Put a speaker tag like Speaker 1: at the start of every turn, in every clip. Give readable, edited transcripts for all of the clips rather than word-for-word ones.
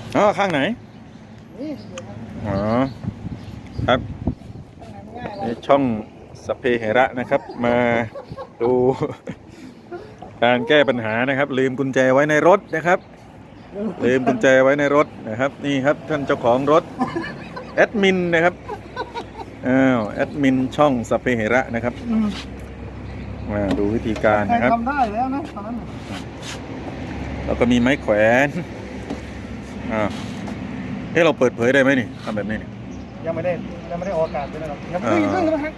Speaker 1: อ๋อข้างไหนอ๋อครับนี่ช่องสัพเพเหระนะครับมาดูการแก้ปัญหานะครับลืมกุญแจไว้ในรถนะครับลืมกุญแจไว้ในรถนะครับนี่ครับท่านเจ้าของรถแอดมินนะครับแอดมินช่องสัพเพเหระนะครับมาดูวิธีการนะครับ
Speaker 2: ทำได้แล้วนะตอนนั้น
Speaker 1: แล้วก็มีไม้แขวนเราเปิดเผยได้ไหมนี่ทำแบบนี้นี่
Speaker 2: ยังไม่ได้ออกอากาศเลยนะครับยังไม่ได้ฮัก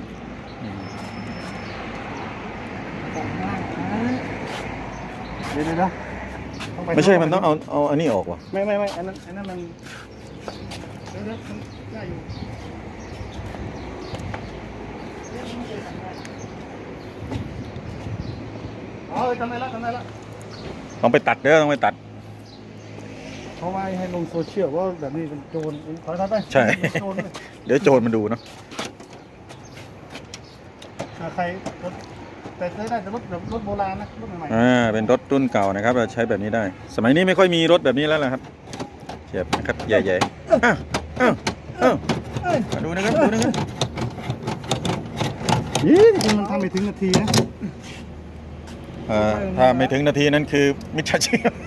Speaker 2: เดี๋ยวนะ
Speaker 1: ไม่ใช่มันต้องเอาอันนี้ออกวะ
Speaker 2: ไม่อันนั้นมันเดี๋ยวมันได้อยู่ทำได้แล้ว
Speaker 1: ต้องไปตัดต้องไปตัด
Speaker 2: เพราะว่าให้ลงโซเชียลว่าแบบนี้เป็นโจรขอทัดไป
Speaker 1: ใช่เดี๋ยวโจรมาดูเนาะ
Speaker 2: ใครแต่ได้แต่รถโบราณนะรถใหม่
Speaker 1: เป็นรถรุ่นเก่านะครับเราใช้แบบนี้ได้สมัยนี้ไม่ค่อยมีรถแบบนี้แล้วนะครับเทียบนะครับใหญ่ๆมาดูนะครับ
Speaker 2: จริงมันทำไม่ถึงนาทีนะ
Speaker 1: ถ้าไม่ถึงนาทีนั้นคือมิจฉาชีพ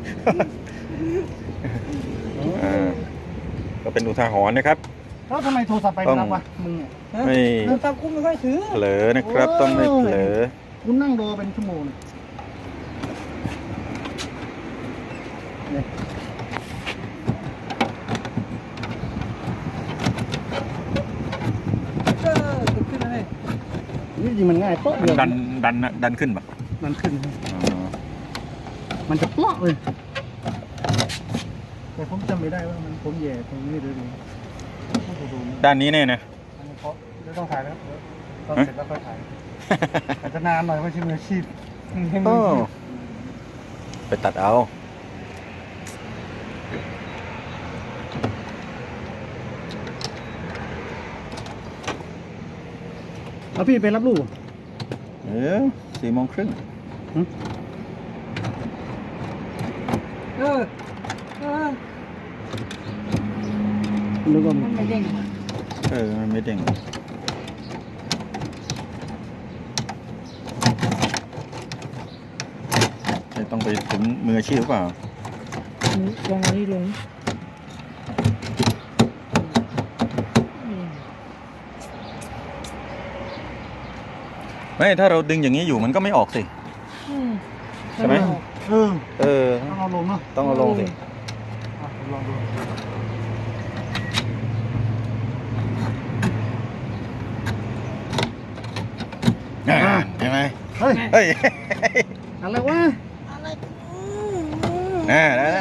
Speaker 1: ก็เป็นอุทาหรณ์นะครับ
Speaker 2: แล้วทำไมโทรศัพท์ไปไม่รับวะมึง
Speaker 1: ไม่
Speaker 2: โทรศัพท์กูไม่ค่อยถือ
Speaker 1: เผลอนะครับต้องไม่เผลอ
Speaker 2: คุณนั่งรอเป็นชั่วโมงขึ้นเลยนี่จริงมันง่ายเปาะเดียว
Speaker 1: ดันขึ้นปะ
Speaker 2: มันขึ้นมันจะเปาะเลยแต่ผมจำไม่ได้ว่ามันผมแย่ตรงนี้เลย
Speaker 1: ด้านนี้แน่นะ
Speaker 2: เดี๋ยวต้องถ่ายแล้วตอนเสร็จแล้วค่อยถ่ายอาจจะนานหน่อยไม่ใช่มืออาชีพ
Speaker 1: ไปตัดเอา
Speaker 2: แล้วพี่ไปรับลูก
Speaker 1: 4:30
Speaker 2: นึกว่ามันไม่เด้ง
Speaker 1: มันไม่เด้งต้องไปถึงมืออาชีพหรือเปล่า
Speaker 2: ลงนี้ลง
Speaker 1: ไม่ถ้าเราดึงอย่างนี้อยู่มันก็ไม่ออกสิใช่ไหม
Speaker 2: ต้องเอาลงเนาะ
Speaker 1: ต้องเอาลงสิ
Speaker 2: ลองดู
Speaker 1: ใช่ไหม
Speaker 2: เฮ้ยอะไรวะ
Speaker 1: ได้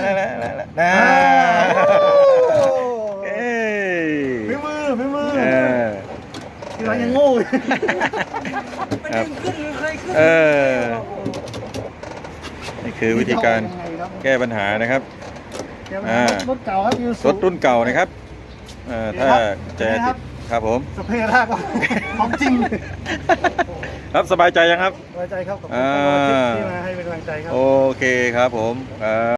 Speaker 2: ฝีมือที่เรายังโง่
Speaker 1: นี่คือวิธีการแก้ปัญหานะครับ
Speaker 2: รถเก่าครับ
Speaker 1: รถรุ่นเก่านะครับถ้าจะติดครับผม
Speaker 2: สเปรย์รากของจริง
Speaker 1: ครับสบายใจยังครับ
Speaker 2: สบายใจครับขอบคุณที่มาให้เป็นกำลังใจครับ
Speaker 1: โอเคครับผม